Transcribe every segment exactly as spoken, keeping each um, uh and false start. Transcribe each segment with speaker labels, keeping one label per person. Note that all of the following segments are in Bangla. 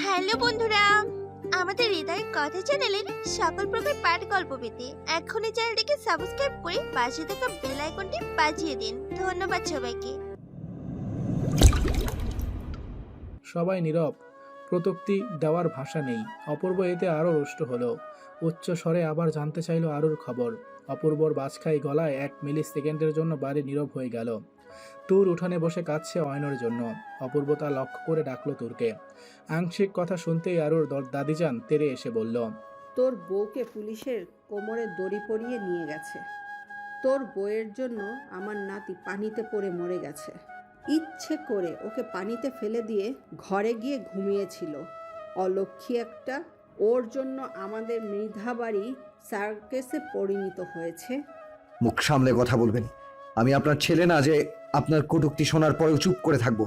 Speaker 1: হ্যালো বন্ধুরা, আমাদের হৃদয় কথা চ্যানেলের সকল প্রকার পাঠ গল্প পেতে এখনই চ্যানেলটিকে সাবস্ক্রাইব করে পাশে থাকা বেল আইকনটি বাজিয়ে দিন। ধন্যবাদ সবাইকে।
Speaker 2: সবাই নীরব, প্রত্যুক্তি দেওয়ার ভাষা নেই। অপূর্ব এতে আরও রুষ্ট হলো। উচ্চ স্বরে আবার জানতে চাইল আরুর খবর। অপূর্বর বাজখাই গলায় এক মিলি সেকেন্ডের জন্য বাড়ি নীরব হয়ে গেল। তুর উঠানে বসে কাঁদছে অয়নের জন্য। অপূর্ব তা লক্ষ্য করে ডাকলো তুরকে। আংশিক কথা শুনতেই আরুর দাদিজান তেরে এসে বলল,
Speaker 3: তোর বউকে পুলিশের কোমরে দড়ি পরিয়ে নিয়ে গেছে। তোর বউয়ের জন্য আমার নাতি পানিতে পড়ে মরে গেছে। ইচ্ছে করে ওকে পানিতে ফেলে দিয়ে ঘরে গিয়ে ঘুমিয়েছিল। অলক্ষী একটা, ওর জন্য আমাদের মৃধাবাড়ি সার্কেসে পরিণত হয়েছে।
Speaker 4: মুখ সামলে কথা বলবেন। আমি আপনার ছেলে না যে আপনার কটূক্তি শোনার পরেও চুপ করে থাকবো।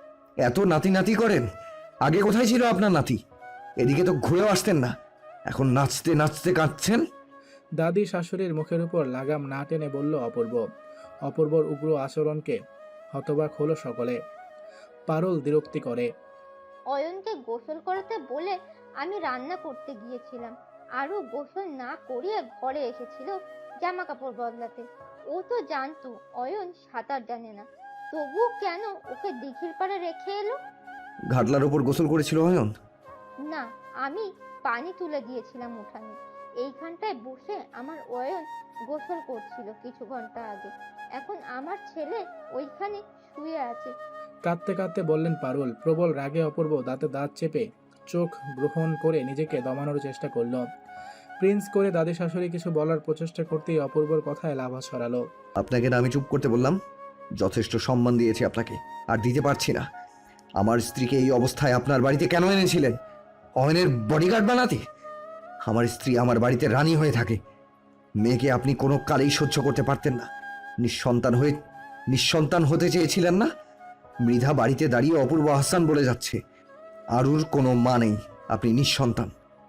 Speaker 4: এত নাতি নাতি করেন। আগে কোথায় ছিল আপনার নাতি? এদিকে তো ঘুরেও আসতেন না, এখন নাচতে নাচতে কাঁদছেন।
Speaker 2: দাদি শাশুড়ির মুখের উপর লাগাম না টেনে বলল অপূর্ব। অপূর্বর উগ্র আচরণকে হতবাক হলো সকলে। পারুল বিরক্তি করে,
Speaker 5: অয়নকে গোসল করাতে বলে আমি রান্না করতে গিয়েছিলাম, আরও গোসল না করিয়ে ঘরে এসেছিল জামা কাপড় বদলাতে। ও তো জানতো অয়ন সাঁতার জানে না, তবুও কেন ওকে দিঘির পাড়ে রেখে এলো?
Speaker 4: ঘাটলার ওপর গোসল করেছিল অয়ন?
Speaker 5: না, আমি পানি তুলে দিয়েছিলাম উঠানে। এইখানটায় বসে আমার অয়ন গোসল করছিল কিছু ঘন্টা আগে। এখন আমার ছেলে ওইখানে শুয়ে আছে।
Speaker 2: কাঁদতে কাঁদতে বললেন পারুল। প্রবল রাগে অপূর্ব দাঁতে দাঁত চেপে চোখ গ্রহণ করে নিজেকে দমানোর চেষ্টা করল। প্রিন্স করে দাদি শাশুড়ি কিছু বলার প্রচেষ্টা করতেই অপূর্বর কথায় লাভা ছড়ালো।
Speaker 4: আপনাকে না আমি চুপ করতে বললাম? যথেষ্ট সম্মান দিয়েছি আপনাকে, আর দিতে পারছি না। আমার স্ত্রীকে এই অবস্থায় আপনার বাড়িতে কেন এনেছিলেন? অয়নের বডিগার্ড বানাতে? আমার স্ত্রী আমার বাড়িতে রানী হয়ে থাকে। মেয়েকে আপনি কোনো কালেই সহ্য করতে পারতেন না। নিঃসন্তান হয়ে নিঃসন্তান হতে চেয়েছিলেন না? মৃধা বাড়িতে দাঁড়িয়ে অপূর্ব আহসান বলে যাচ্ছে। আরুর কোনো মা নেই, আপনি নিঃসন্তান।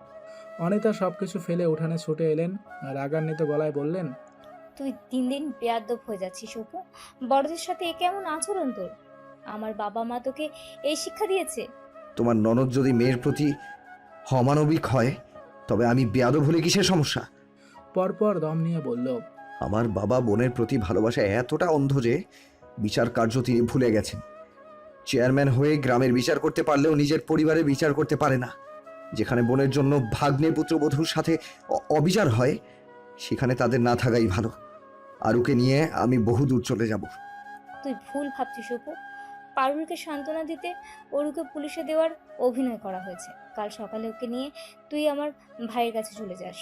Speaker 2: অনিতা সবকিছু ফেলে উঠানে ছুটে এলেন। রাগান্বিত গলায় বললেন,
Speaker 6: তুই দিন দিন বেয়াদব হয়ে যাচ্ছিস অপু। বড়দের সাথে এ কেমন আচরণ তোর? আমার বাবা মা তোকে এই শিক্ষা দিয়েছে?
Speaker 4: তোমার ননদ যদি মেয়ের প্রতি অমানবিক হয়, তবে আমি বেয়াদব হলে কিসের সমস্যা?
Speaker 2: পরপর দম নিয়ে বলল,
Speaker 4: আমার বাবা বোনের প্রতি ভালোবাসা এতটা অন্ধ যে বিচার কার্য তিনি ভুলে গেছেন। চেয়ারম্যান হয়ে গ্রামের বিচার করতে পারলেও নিজের পরিবারের বিচার করতে পারে না। যেখানে বোনের জন্য ভাগ্নে পুত্রবধূর সাথে অ- অবিচার হয়, সেখানে তাদের না থাকাই ভালো। আরুকে নিয়ে আমি বহু দূর চলে যাব।
Speaker 6: তুই ভুল ভাবছিস অপু। পারুলকে সান্ত্বনা দিতে অরুকে পুলিশে দেওয়ার অভিনয় করা হয়েছে। কাল সকালে ওকে নিয়ে তুই আমার ভাইয়ের কাছে চলে যাস।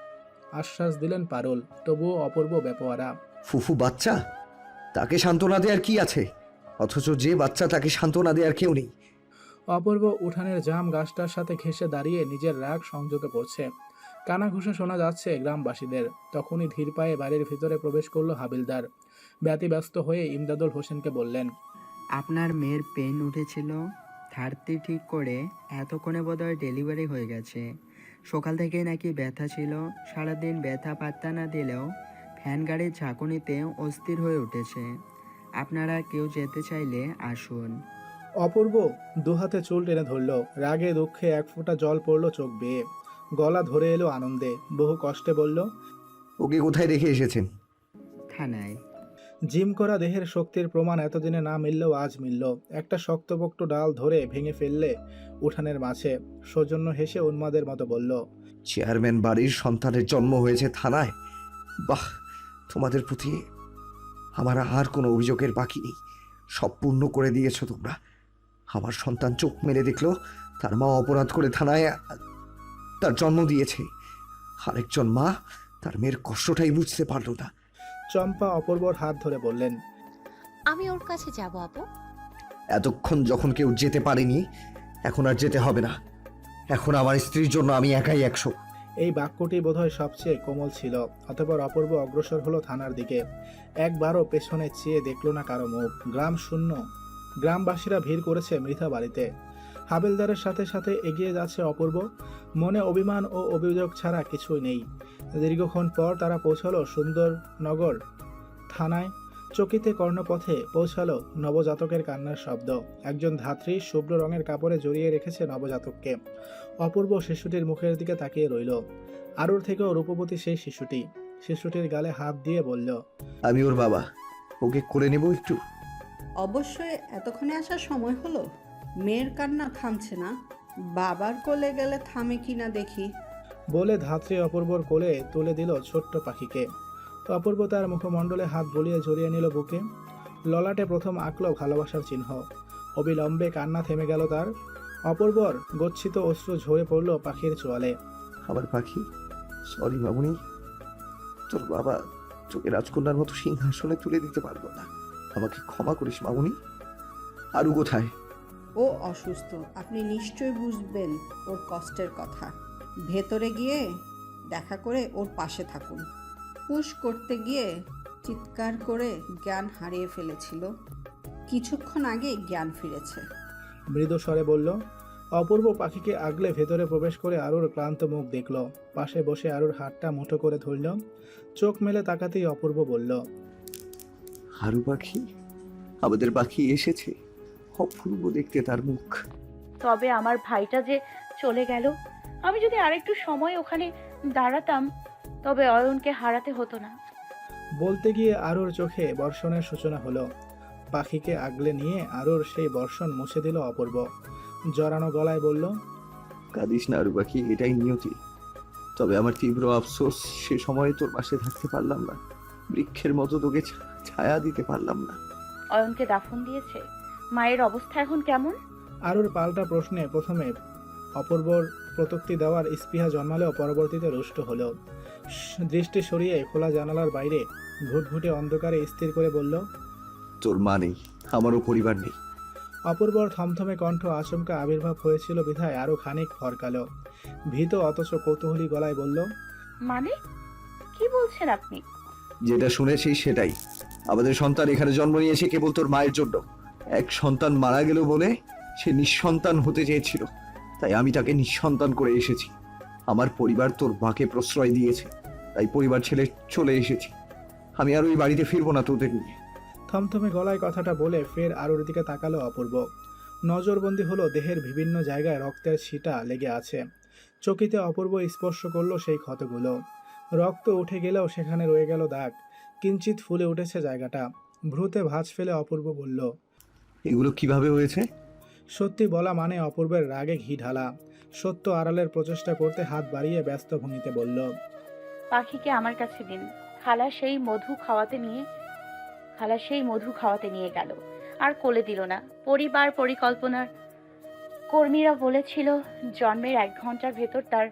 Speaker 2: আশ্বাস দিলেন পারুল। তবুও অপূর্ব বেপরোয়া।
Speaker 4: ফুফু বাচ্চা, তাকে সান্ত্বনা দেওয়ার কি আছে? অথচ যে বাচ্চা, তাকে সান্ত্বনা দেওয়ার কেউ নেই।
Speaker 2: অপূর্ব উঠানের জাম গাছটার সাথে ঘেঁষে দাঁড়িয়ে নিজের রাগ সংযত করছে। কানাঘুষা শোনা যাচ্ছে গ্রামবাসীদের। তখনই ধীর পায়ে বাড়ির ভিতরে প্রবেশ করলো হাবিলদার। ব্যতিব্যস্ত হয়ে ইমদাদুল হোসেনকে বললেন,
Speaker 7: আপনার মেয়ের পেন উঠেছিল, থার্টি ঠিক করে এতক্ষণে বোধহয় ডেলিভারি হয়ে গেছে। সকাল থেকে নাকি ব্যথা ছিল, সারাদিন ব্যথা পাত্তা না দিলেও ফ্যান গাড়ির ঝাঁকুনিতে অস্থির হয়ে উঠেছে। আপনারা কেউ যেতে চাইলে আসুন।
Speaker 2: অপূর্ব দুহাতে চুল টেনে ধরল। রাগে দুঃখে এক ফোঁটা জল পড়ল চোখ বেয়ে। গলা ধরে এলো আনন্দে। বহু কষ্টে বলল,
Speaker 4: ওকে কোথায় রেখে এসেছেন?
Speaker 7: থানায়।
Speaker 2: জিম করা দেহের শক্তির প্রমাণ এতদিনে না মিললেও আজ মিলল। একটা শক্তপোক্ত ডাল ধরে ভেঙে ফেললে উঠানের মাঝে। সৌজন্য হেসে উন্মাদের মতো বলল,
Speaker 4: চেয়ারম্যান বাড়ির সন্তানের জন্ম হয়েছে থানায়? বাহ, তোমাদের প্রতি আমার আর কোনো অভিযোগের বাকি নেই। সব পূর্ণ করে দিয়েছো তোমরা। আমার সন্তান চোখ মেলে দেখলো তার মা অপরাধ করে থানায় তার জন্ম দিয়েছে। আরেকজন মা তার মেয়ের কষ্টটাই বুঝতে পারলো না।
Speaker 2: চম্পা অপূর্বর হাত ধরে বললেন,
Speaker 1: আমি ওর কাছে যাব আপু।
Speaker 4: এতক্ষণ যখন কেউ যেতে পারেনি, এখন আর যেতে হবে না। এখন আমার স্ত্রীর জন্য আমি একাই একশো।
Speaker 2: এই বাক্যটি বোধহয় সবচেয়ে কোমল ছিল। অতঃপর অপূর্ব অগ্রসর হলো থানার দিকে। একবারও পেছনে চেয়ে দেখল না কারো মুখ। গ্রাম শূন্য। গ্রামবাসীরা ভিড় করেছে মৃধা বাড়িতে। হাবিলদারের সাথে সাথে এগিয়ে যাচ্ছে অপূর্ব। মনে অভিমান ও অভিযোগ ছাড়া কিছুই নেই। দীর্ঘক্ষণ পর তারা পৌঁছালো সুন্দরনগর থানায়। চকিতে কর্ণপথে পৌঁছালো নবজাতকের কান্নার শব্দ। একজন ধাত্রী শুভ্র রঙের কাপড়ে জড়িয়ে রেখেছে নবজাতককে। অপূর্ব শিশুটির মুখের দিকে তাকিয়ে রইল। আরুর থেকেও রূপবতী সেই শিশুটি। শিশুটির গালে হাত দিয়ে বলল,
Speaker 4: আমি ওর বাবা, ওকে করে নেব একটু।
Speaker 3: অবশ্যই এতক্ষণে আসার সময় হলো। মেয়ের কান্না থামছে না, বাবার কোলে গেলে থামে কিনা দেখি।
Speaker 2: বলে ধাত্রী অপূর্বর কোলে তুলে দিল ছোট্ট পাখিকে। অপূর্ব তার মুখমণ্ডলে হাত বুলিয়ে জড়িয়ে নিল বুকে। ললাটে প্রথম আঁকল ভালোবাসার চিহ্ন। অবিলম্বে কান্না থেমে গেল তার। অপূর্বর গচ্ছিত অশ্রু ঝরে পড়ল পাখির চোয়ালে।
Speaker 4: আমার পাখি, সরি মামুনি, তোর বাবা তোকে রাজকন্যার মতো সিংহাসনে তুলে দিতে পারবো না। আমাকে ক্ষমা করিস মামুনি। আরু কোথায়?
Speaker 3: ও অসুস্থ, আপনি নিশ্চয় বুঝবেন ওর কষ্টের কথা। ভেতরে গিয়ে দেখা করে ওর পাশে থাকুন। পুশ করতে গিয়ে চিৎকার করে জ্ঞান হারিয়ে ফেলেছিল, কিছুক্ষণ আগে জ্ঞান ফিরেছে।
Speaker 2: মৃদু স্বরে বলল। অপূর্ব পাখিকে আগলে ভেতরে প্রবেশ করে আরুর ক্লান্ত মুখ দেখল। পাশে বসে আরুর হাতটা মুঠো করে ধরল। চোখ মেলে তাকাতেই অপূর্ব বলল,
Speaker 4: আরু পাখি, আমাদের পাখি এসেছে। অপূর্ব দেখতে তার মুখ।
Speaker 8: তবে আমার ভাইটা যে চলে গেল, আমি যদি আরেকটু সময় ওখানে দাঁড়াতাম তবে অয়নকে হারাতে হতো না।
Speaker 2: বলতে গিয়ে আরুর চোখে বর্ষণের সূচনা হলো। পাখিকে আগলে নিয়ে আরুর সেই বর্ষণ মুছে দিল অপূর্ব। জড়ানো গলায় বলল,
Speaker 4: কাঁদিস না আরু পাখি, এটাই নিয়তি। তবে আমার তীব্র আফসোস, সে সময়ে তোর পাশে থাকতে পারলাম না। বৃক্ষের মতো তোকে ছা- ছায়া দিতে পারলাম না।
Speaker 8: অয়নকে দাফন দিয়েছে। মায়ের অবস্থা এখন কেমন?
Speaker 2: আরুর পাল্টা প্রশ্নে প্রথমে অপূর্বর প্রত্যুক্তি দেওয়ার স্পৃহা জন্মালেও পরবর্তীতে রুষ্ট হলো। দৃষ্টি সরিয়ে খোলা জানালার বাইরে ঘুটঘুটে অন্ধকারে স্থির করে বলল,
Speaker 4: তোর মা নেই, আমারও পরিবার নেই।
Speaker 2: অপূর্বর থমথমে কণ্ঠ আচমকা আবির্ভাব হয়েছিল বিধায় আরো খানিক ফরকালো। ভীত অথচ কৌতূহলী গলায় বলল,
Speaker 8: মানে কি বলছেন আপনি?
Speaker 4: যেটা শুনেছি সেটাই। আমাদের সন্তান এখানে জন্ম নিয়েছে কেবল তোর মায়ের জন্য। এক সন্তান মারা গেল বলে সে নিঃসন্তান হতে চেয়েছিল, তাই আমি তাকে নিঃসন্তান করে এসেছি। আমার পরিবার তোর মাকে প্রশ্রয় দিয়েছে, তাই পরিবার ছেড়ে চলে এসেছি। আমি আর ওই বাড়িতে ফিরবো না তোদের নিয়ে।
Speaker 2: থমথমে গলায় কথাটা বলে ফের আরুর দিকে তাকালো অপূর্ব। নজরবন্দি হলো দেহের বিভিন্ন জায়গায় রক্তের ছিটা লেগে আছে। চকিতে অপূর্ব স্পর্শ করলো সেই ক্ষতগুলো। রক্ত উঠে গেলেও সেখানে রয়ে গেল দাগ। কিঞ্চিত ফুলে উঠেছে জায়গাটা। ভ্রুতে ভাঁজ ফেলে অপূর্ব বলল,
Speaker 4: এগুলো কিভাবে হয়েছে?
Speaker 2: সত্যি বলা মানে অপূর্বের রাগে ঘি ঢালা। সত্য আড়ালের প্রচেষ্টা করতে হাত বাড়িয়ে ব্যস্ত ভঙ্গিতে বলল,
Speaker 8: পাখিকে আমার কাছে দিন। খালা সেই মধু খাওয়াতে নিয়ে খালা সেই মধু খাওয়াতে নিয়ে গেল, আর কোলে দিল না। পরিবার পরিকল্পনার কর্মীরা বলেছিল জন্মের এক ঘন্টার ভেতর তার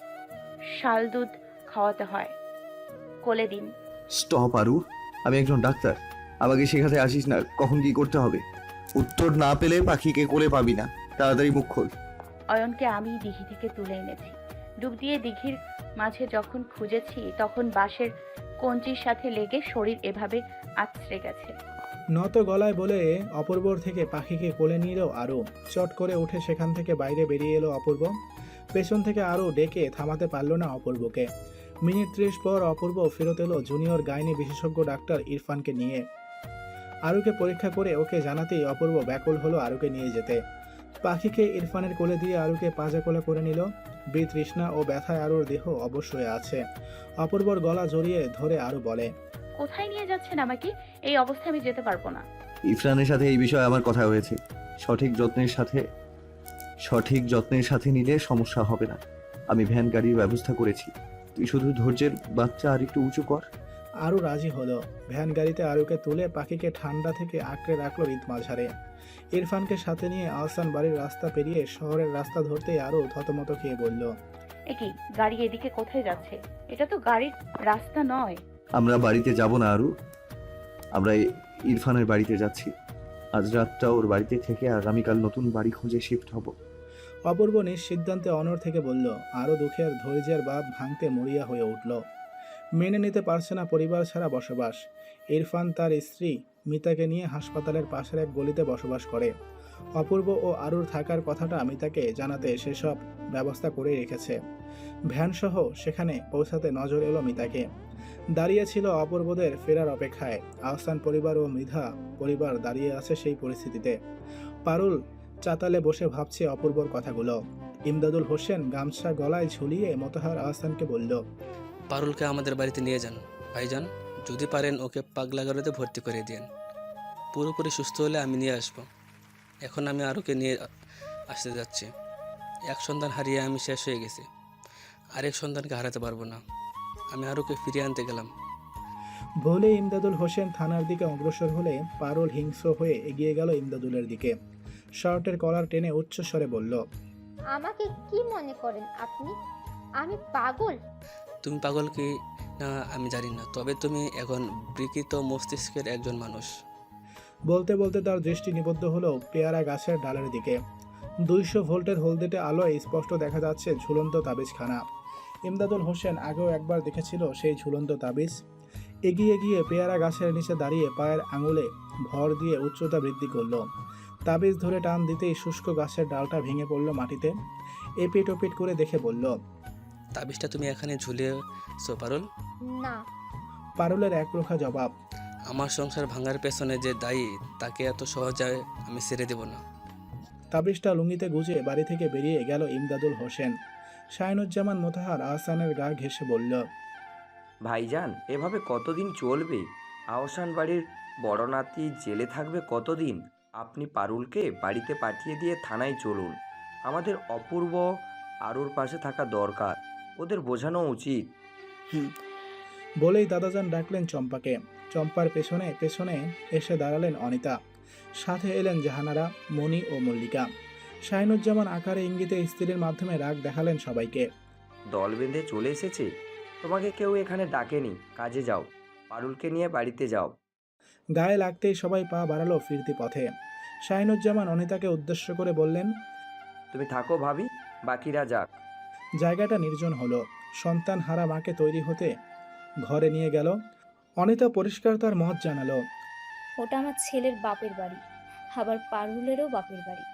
Speaker 8: শাল দুধ খাওয়াতে হয়। কোলে দিন।
Speaker 4: স্টপ আরু, আমি একজন ডাক্তার। আমাকে শেখাতে আসিস না কখন কি করতে হবে। উত্তর না পেলে পাখিকে কোলে পাবি না। তাড়াতাড়ি মুখ খোল।
Speaker 8: অয়নকে আমি দিঘি থেকে তুলে এনেছি। ডুব দিয়ে দিঘির মাঝে যখন খুঁজেছি তখন বাঁশের কঞ্চির সাথে লেগে শরীর এভাবে আছড়ে গেছে।
Speaker 2: নত গলায় বলে অপূর্বর থেকে পাখিকে কোলে নিল আরও। চট করে উঠে সেখান থেকে বাইরে বেরিয়ে এলো অপূর্ব। পেছন থেকে আরও ডেকে থামাতে পারল না অপূর্বকে। মিনিট ত্রিশ পর অপূর্ব ফেরত এলো জুনিয়র গাইনি বিশেষজ্ঞ ডাক্তার ইরফানকে নিয়ে। আরুকে পরীক্ষা করে ওকে জানাতেই অপূর্ব ব্যাকুল হলো আরুকে নিয়ে যেতে। পাখিকে ইরফানের কোলে দিয়ে আরুকে পাজা কোলে করে নিল। বিতৃষ্ণা ও ব্যথায় আরুর দেহ অবশ্যই আছে। অপূর্বর গলা জড়িয়ে ধরে আরু বলে,
Speaker 8: কোথায় নিয়ে যাচ্ছেন আমাকে? এই অবস্থায় আমি যেতে পারবো না।
Speaker 4: ইরফানের সাথে এই বিষয়ে আমার কথা হয়েছে। সঠিক যত্নের সাথে সঠিক যত্নের সাথে নিলে সমস্যা হবে না। আমি ভ্যান গাড়ির ব্যবস্থা করেছি। তুই শুধু ধৈর্যের বাচ্চা আর একটু উঁচু কর।
Speaker 2: আরও রাজি হলো। ভ্যান গাড়িতে আরুকে তুলে পাখিকে ঠান্ডা থেকে আঁকড়ে রাখলো ঈদ মাঝারে। ইরফানকে সাথে নিয়ে আহসান বাড়ির রাস্তা পেরিয়ে শহরের রাস্তা ধরতেই আরও থতমত খেয়ে বলল,
Speaker 8: একই গাড়ি এদিকে কোথায় যাচ্ছে? এটা তো গাড়ির রাস্তা নয়।
Speaker 4: আমরা বাড়িতে যাব না আরু, আমরা ইরফানের বাড়িতে যাচ্ছি। আজ রাতটা ওর বাড়িতে থেকে আগামীকাল নতুন বাড়ি খুঁজে শিফট হব।
Speaker 2: অপূর্ব নিঃসিদ্ধান্তে অনড় থেকে বলল। আরও দুঃখের ধৈর্যের বাঁধ ভাঙতে মরিয়া হয়ে উঠল। মেনে নিতে পারছে না পরিবার ছাড়া বসবাস। ইরফান তার স্ত্রী মিতাকে নিয়ে হাসপাতালের পাশের এক গলিতে বসবাস করে। অপূর্ব ও আরুর থাকার কথাটা মিতাকে জানাতে সেসব ব্যবস্থা করে রেখেছে। ভ্যানসহ সেখানে পৌঁছাতে নজর এলো মিতাকে। দাঁড়িয়ে ছিল অপূর্বদের ফেরার অপেক্ষায়। আহসান পরিবার ও মৃধা পরিবার দাঁড়িয়ে আছে সেই পরিস্থিতিতে। পারুল চাতালে বসে ভাবছে অপূর্বর কথাগুলো। ইমদাদুল হোসেন গামছা গলায় ঝুলিয়ে মোতাহার আহসানকে বলল,
Speaker 9: পারুলকে আমাদের বাড়িতে নিয়ে যান ভাইজান, যদি পারেন ওকে পাগলাগারোতে ভর্তি করে দিন। পুরোপুরি সুস্থ হলে আমি নিয়ে আসব। এখন আমি আরুকে নিয়ে আসতে যাচ্ছি। এক সন্তান হারিয়ে আমি শেষ হয়ে গেছি, আরেক সন্তানকে হারাতে পারবো না। আমি আরুকে ফিরিয়ে আনতে গেলাম।
Speaker 2: বলে ইমদাদুল হোসেন থানার দিকে অগ্রসর হলে পারুল হিংস্র হয়ে এগিয়ে গেল ইমদাদুলের দিকে। শার্টের কলার টেনে উচ্চস্বরে বলল,
Speaker 5: আমাকে কি মনে করেন আপনি? আমি পাগল?
Speaker 9: তুমি পাগল কি না আমি জানি না, তবে তুমি এখন বিকৃত মস্তিষ্কের একজন মানুষ।
Speaker 2: বলতে বলতে তার দৃষ্টি নিবদ্ধ হলো পেয়ারা গাছের ডালের দিকে। দুইশো ভোল্টের হলদেটে আলোয় স্পষ্ট দেখা যাচ্ছে ঝুলন্ত তাবিজখানা। ইমদাদুল হোসেন আগেও একবার দেখেছিল সেই ঝুলন্ত তাবিজ। এগিয়ে গিয়ে পেয়ারা গাছের নিচে দাঁড়িয়ে পায়ের আঙুলে ভর দিয়ে উচ্চতা বৃদ্ধি করলো। তাবিজ ধরে টান দিতেই শুষ্ক গাছের ডালটা ভেঙে পড়ল মাটিতে। এপিট ওপিট করে দেখে বলল,
Speaker 9: তাবিজটা তুমি এখানে ঝুলিয়েছো পারুল?
Speaker 5: না।
Speaker 2: পারুলের একরোখা জবাব,
Speaker 9: আমার সংসার ভাঙার পেছনে যে দায়ী তাকে এত সহজে আমি ছেড়ে দেব না।
Speaker 2: তাবিজটা লুঙ্গিতে গুজে বাড়ি থেকে বেরিয়ে গেল ইমদাদুল হোসেন। শাহিনুজ্জামান মোতাহার আহসানের গা ঘেঁষে বলল,
Speaker 10: ভাইজান, এভাবে কতদিন চলবে? আহসান বাড়ির বড় নাতি জেলে থাকবে কতদিন? আপনি পারুলকে বাড়িতে পাঠিয়ে দিয়ে থানায় চলুন। আমাদের অপূর্ব আরুর পাশে থাকা দরকার, ওদের বোঝানো উচিত।
Speaker 7: হুম
Speaker 2: বলেই দাদাজান ডাকলেন চম্পাকে। চম্পার পেছনে পেছনে এসে দাঁড়ালেন অনিতা। সাথে এলেন জাহানারা, মণি ও মল্লিকা। শাহিনুজ্জামান আকারে ইঙ্গিতে স্ত্রীর মাধ্যমে রাগ দেখালেন সবাইকে।
Speaker 10: দল বেঁধে চলে এসেছে, তোমাকে কেউ এখানে ডাকেনি, কাজে যাও। পারুলকে নিয়ে বাড়িতে যাও।
Speaker 2: গায়ে লাগতেই সবাই পা বাড়ালো ফিরতি পথে। শাহিনুজ্জামান অনিতাকে উদ্দেশ্য করে বললেন,
Speaker 10: তুমি থাকো ভাবি, বাকিরা যাক।
Speaker 2: জায়গাটা নির্জন হলো। সন্তান হারা মাকে তৈরি হতে ঘরে নিয়ে গেল। অনিতা পরিষ্কার তার মত জানালো,
Speaker 6: ওটা আমার ছেলের বাপের বাড়ি, আবার পারুলেরও বাপের বাড়ি।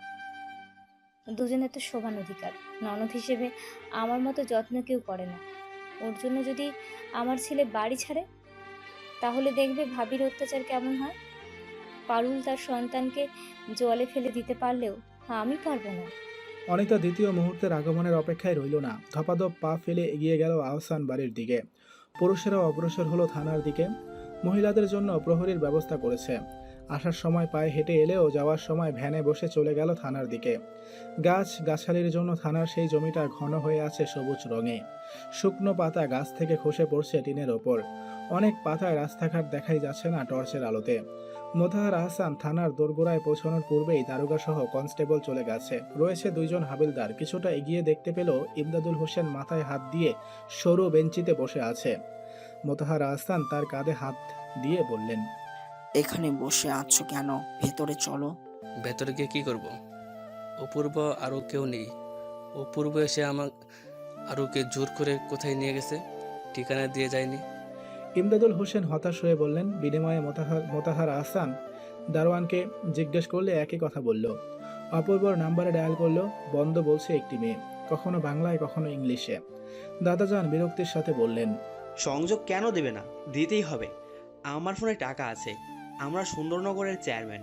Speaker 6: দুজনের তো সমান অধিকার। ননদ হিসেবে আমার মতো যত্ন কেউ করে না। ওর জন্য যদি আমার ছেলে বাড়ি ছাড়ে, তাহলে দেখবে ভাবির অত্যাচার কেমন হয়। পারুল তার সন্তানকে জলে ফেলে দিতে পারলেও আমি পারবো না।
Speaker 2: অনিতা দ্বিতীয় মুহূর্তের আগমনের অপেক্ষায় রইল না। ধপাধপ পা ফেলে এগিয়ে গেল আহসান বাড়ির দিকে। পুরুষেরাও অগ্রসর হলো থানার দিকে। মহিলাদের জন্য প্রহরীর ব্যবস্থা করেছে। আসার সময় পায়ে হেঁটে এলেও যাওয়ার সময় ভ্যানে বসে চলে গেল থানার দিকে। গাছ গাছালির জন্য থানার সেই জমিটা ঘন হয়ে আছে সবুজ রঙে। শুকনো পাতা গাছ থেকে খসে পড়ছে টিনের ওপর। অনেক পাতায় রাস্তাঘাট দেখাই যাচ্ছে না টর্চের আলোতে। মোতাহার আহসান থানার দোরগোড়ায় পৌঁছানোর পূর্বেই দারোগা সহ কনস্টেবল চলে গেছে। রয়েছে দুইজন হাবিলদার। কিছুটা এগিয়ে দেখতে পেল ইমদাদুল হোসেন মাথায় হাত দিয়ে সরু বেঞ্চিতে বসে আছে। মোতাহার আহসান তার কাঁধে হাত দিয়ে বললেন,
Speaker 11: এখানে বসে আছো কেন? ভেতরে চলো।
Speaker 9: ভেতরে গিয়ে কী করব? অপূর্ব আরও কেউ নেই। অপূর্ব এসে আমার আরুকে জোর করে কোথায় নিয়ে গেছে, ঠিকানা দিয়ে যায়নি।
Speaker 2: ইমদাদুল হোসেন হতাশ হয়ে বললেন। বিনিময়ে মোতাহার মোতাহার আহসান দারোয়ানকে জিজ্ঞেস করলে একই কথা বলল। অপূর্বর নাম্বারে ডায়াল করলো। বন্ধ বলছে একটি মেয়ে, কখনো বাংলায় কখনো ইংলিশে। দাদাজান বিরক্তির সাথে বললেন,
Speaker 12: সংযোগ কেন দেবে না? দিতেই হবে। আমার ফোনে টাকা আছে, আমরা সুন্দরনগরের চেয়ারম্যান।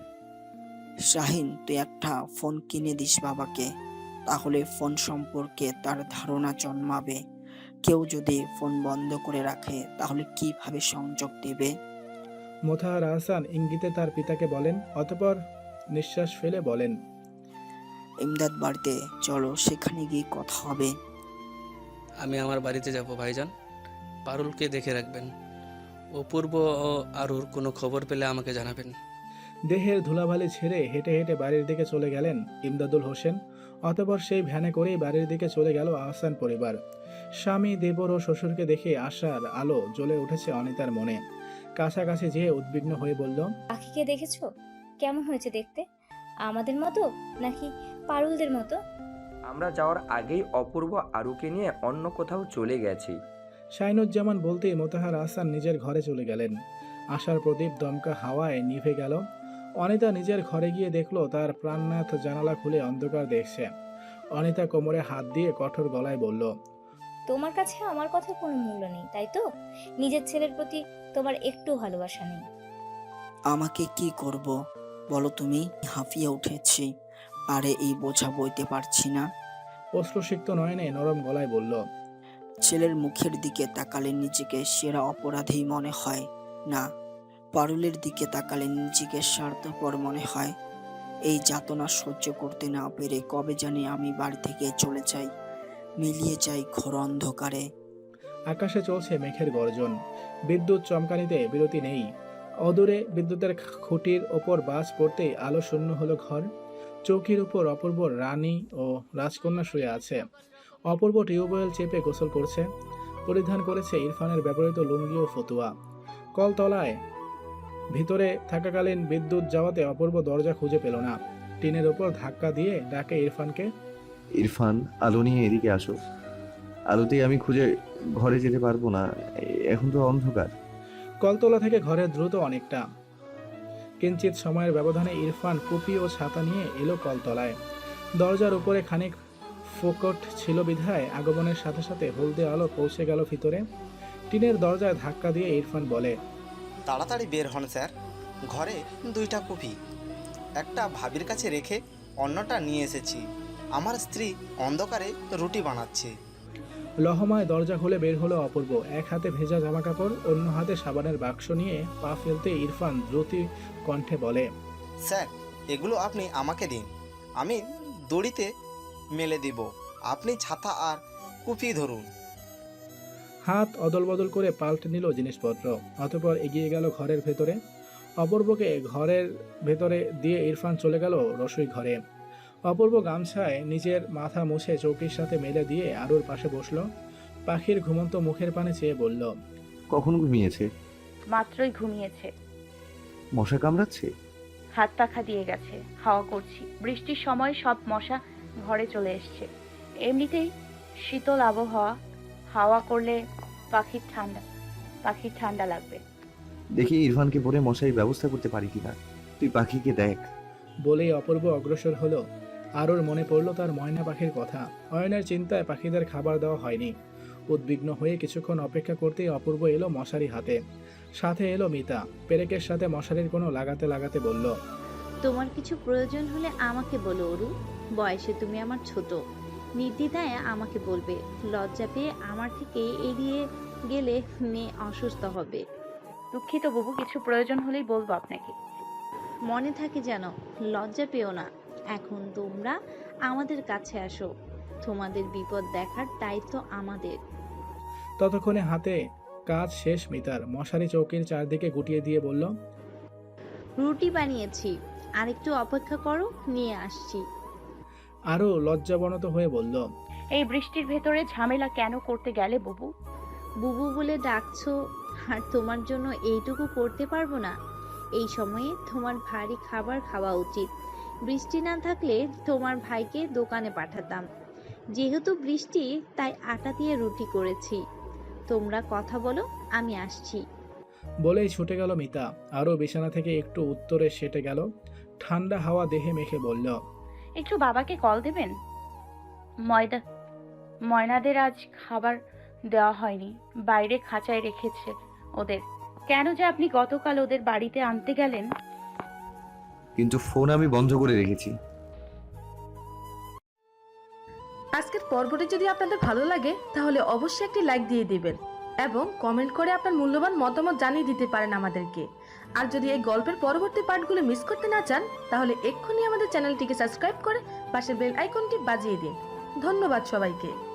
Speaker 11: শাহিন, তুই একটা ফোন কিনে দিস বাবাকে, তাহলে ফোন সম্পর্কে তার ধারণা জন্মাবে। কেউ যদি ফোন বন্ধ করে রাখে তাহলে কিভাবে সংযোগ দেবে?
Speaker 2: মোতাহার আহসান ইঙ্গিতে তার পিতাকে বলেন। অতঃপর নিঃশ্বাস ফেলে বলেন,
Speaker 11: ইমদাদ বাড়িতে চলো, সেখানে গিয়ে কথা হবে।
Speaker 9: আমি আমার বাড়িতে যাব ভাইজান। পারুলকে দেখে রাখবেন। অপূর্ব ও আরুর কোনো খবর পেলে আমাকে জানাবেন।
Speaker 2: দেহের ধুলাবালি ছেড়ে হেঁটে হেঁটে বাড়ির দিকে চলে গেলেন ইমদাদুল হোসেন। অতঃপর সেই ভ্যানে করেই বাড়ির দিকে চলে গেল আহসান পরিবার। স্বামী, দেবর ও শ্বশুরকে দেখে আশার আলো জ্বলে উঠেছে অনিতার মনে। কাছাকাছি যেয়ে উদ্বিগ্ন হয়ে বলল,
Speaker 6: পাখিকে দেখেছো? কেমন হয়েছে দেখতে? আমাদের মতো নাকি পারুলদের মতো?
Speaker 10: আমরা যাওয়ার আগেই অপূর্ব আরুকে নিয়ে অন্য কোথাও চলে গেছে।
Speaker 2: শাহিনুজ্জামান বলতেই মোতাহার আহসান নিজের ঘরে চলে গেলেন। আশার প্রদীপ দমকা হাওয়ায় নিভে গেল। অনিতা নিজের ঘরে গিয়ে দেখলো তার প্রাণনাথ জানালা খুলে অন্ধকার দেখছে। অনিতা কোমরে হাত দিয়ে কঠোর গলায় বলল,
Speaker 6: তোমার কাছে আমার কথার কোনো মূল্য নেই, তাই তো? নিজের ছেলের প্রতি তোমার একটু ভালোবাসা নেই।
Speaker 11: আমাকে কি করব বলো তুমি? হাঁফিয়ে উঠেছি, আরে এই বোঝা বইতে পারছি না।
Speaker 2: অশ্রুসিক্ত নয়নে নরম গলায় বলল,
Speaker 11: ছেলের মুখের দিকে তাকালে নিজেকে সেরা অপরাধী মনে হয় না, পারুলের দিকে তাকালে নিজেকে স্বার্থপর মনে হয়। এই যাতনা সহ্য করতে না পেরে কবে জানি আমি বাড়ি থেকে চলে যাই, মিলিয়ে যাই ঘোর অন্ধকারে।
Speaker 2: আকাশে চলছে মেঘের গর্জন, বিদ্যুৎ চমকানিতে বিরতি নেই। অদূরে বিদ্যুতের খুঁটির ওপর বাজ পড়তেই আলো শূন্য হলো ঘর। চৌকির উপর অপূর্ব রানী ও রাজকন্যা শুয়ে আছে। অপূর্ব টিউবওয়েল চেপে গোসল করছে। পরিধান করেছে ইরফানের ব্যবহৃত লুঙ্গি ও ফতুয়া। কলতলায় ভিতরে থাকাকালীন বিদ্যুৎ যাওয়াতে অপূর্ব দরজা খুঁজে পেল না। টিনের ওপর ধাক্কা দিয়ে ডাকে ইরফানকে।
Speaker 4: ইরফান, আলো নিয়ে এদিকে আসো। আলোতেই আমি খুঁজে ঘরে যেতে পারবো না, এখন তো অন্ধকার।
Speaker 2: কলতলা থেকে ঘরে দ্রুত অনেকটা। কিঞ্চিত সময়ের ব্যবধানে ইরফান কুপি ও ছাতা নিয়ে এলো কলতলায়। দরজার উপরে খানিক ফোকট ছিল বিধায় আগমনের সাথে সাথে হলদে আলো পৌঁছে গেল ভিতরে। টিনের দরজায় ধাক্কা দিয়ে ইরফান বলে,
Speaker 13: তাড়াতাড়ি বের হন স্যার, ঘরে দুইটা কপি, একটা ভাবির কাছে রেখে অন্যটা নিয়ে এসেছি। আমার স্ত্রী অন্ধকারে রুটি বানাচ্ছে।
Speaker 2: লহমায় দরজা খুলে বের হলো অপূর্ব। এক হাতে ভেজা জামা কাপড়, অন্য হাতে সাবানের বাক্স নিয়ে পা ফেলতে ইরফান দ্রুত কণ্ঠে বলে,
Speaker 13: স্যার, এগুলো আপনি আমাকে দিন, আমি দড়িতে মেলে দিব। আপনি ছাতা আর কুপি ধরুন।
Speaker 2: হাত অদল বদল করে পাল্টে নিল জিনিসপত্র। অতঃপর এগিয়ে গেল ঘরের ভেতরে। অপূর্বকে ঘরের ভেতরে দিয়ে ইরফান চলে গেল রসোই ঘরে। অপূর্ব গামছায় নিজের মাথা মুছে চৌকির সাথে মেলে দিয়ে আরুর পাশে বসলো। পাখির ঘুমন্ত মুখের পানে চেয়ে বলল,
Speaker 4: কখন ঘুমিয়েছে?
Speaker 8: মাত্রই ঘুমিয়েছে।
Speaker 4: মশা কামড়াচ্ছে?
Speaker 8: হাত পাখা দিয়ে গেছে, হাওয়া করছি। বৃষ্টির সময় সব মশা ঘরে চলে এসছে। এমনিতেই শীতল আবহাওয়া, হাওয়া করলে পাখির ঠান্ডা পাখির ঠান্ডা লাগবে।
Speaker 4: দেখি ইরফানকে পরে মশারি ব্যবস্থা করতে পারি কিনা। তুই পাখিকে দেখ।
Speaker 2: বলেই অপূর্ব অগ্রসর হলো। আরুর মনে পড়ল তার ময়না পাখির কথা। অয়নের চিন্তায় পাখিদের খাবার দেওয়া হয়নি। উদ্বিগ্ন হয়ে কিছুক্ষণ অপেক্ষা করতেই অপূর্ব এলো মশারি হাতে। সাথে এলো মিতা। পেরেকের সাথে মশারির কোনো লাগাতে লাগাতে বলল,
Speaker 14: তোমার কিছু প্রয়োজন হলে আমাকে বলো অরু, বয়সে তুমি আমার ছোট, নির্দ্বিধায় আমাকে বলবে। লজ্জা পেয়ে আমার থেকে এড়িয়ে গেলে মেয়ে অসুস্থ হবে।
Speaker 8: দুঃখিত বুবু, কিছু প্রয়োজন হলেই বলবো আপনাকে।
Speaker 14: মনে থাকে যেন, লজ্জা পেও না। এখন তোমরা আমাদের কাছে আসো, তোমাদের বিপদ দেখার দায়িত্ব আমাদের।
Speaker 2: ততক্ষণে হাতে কাজ শেষ মিতার। মশারি চৌকির চারদিকে গুটিয়ে দিয়ে বলল,
Speaker 14: রুটি বানিয়েছি, আর একটু অপেক্ষা করো, নিয়ে আসছি।
Speaker 2: আরও লজ্জাবনত হয়ে বলল,
Speaker 8: এই বৃষ্টির ভেতরে ঝামেলা কেন করতে গেলে বুবু?
Speaker 14: বুবু বলে ডাকছো, আর তোমার জন্য এইটুকু করতে পারবো না? এই সময়ে তোমার ভারী খাবার খাওয়া উচিত। বৃষ্টি না থাকলে তোমার ভাইকে দোকানে পাঠাতাম। যেহেতু বৃষ্টি, তাই আটা দিয়ে রুটি করেছি। তোমরা কথা বলো, আমি আসছি।
Speaker 2: বলেই ছুটে গেল মিতা। আরও বিছানা থেকে একটু উত্তরে সেটে গেল। ঠান্ডা হাওয়া দেহে মেখে বলল,
Speaker 8: একটু বাবাকে কল দেবেন? ময়দা ময়নাদের আজ খাবার দেওয়া হয়নি, বাইরে খাঁচায় রেখেছে ওদের। কেন যে আপনি গতকাল ওদের বাড়িতে আনতে গেলেন?
Speaker 4: কিন্তু ফোন আমি বন্ধ করে রেখেছি।
Speaker 15: আজকের পর্বটি যদি আপনাদের ভালো লাগে তাহলে অবশ্যই একটি লাইক দিয়ে দিবেন এবং কমেন্ট করে আপনার মূল্যবান মতামত জানিয়ে দিতে পারেন আমাদেরকে। আর যদি এই গল্পের পরবর্তী পার্টগুলো মিস করতে না চান তাহলে এক্ষুনি আমাদের চ্যানেলটিকে সাবস্ক্রাইব করে পাশের বেল আইকনটি বাজিয়ে দিন। ধন্যবাদ সবাইকে।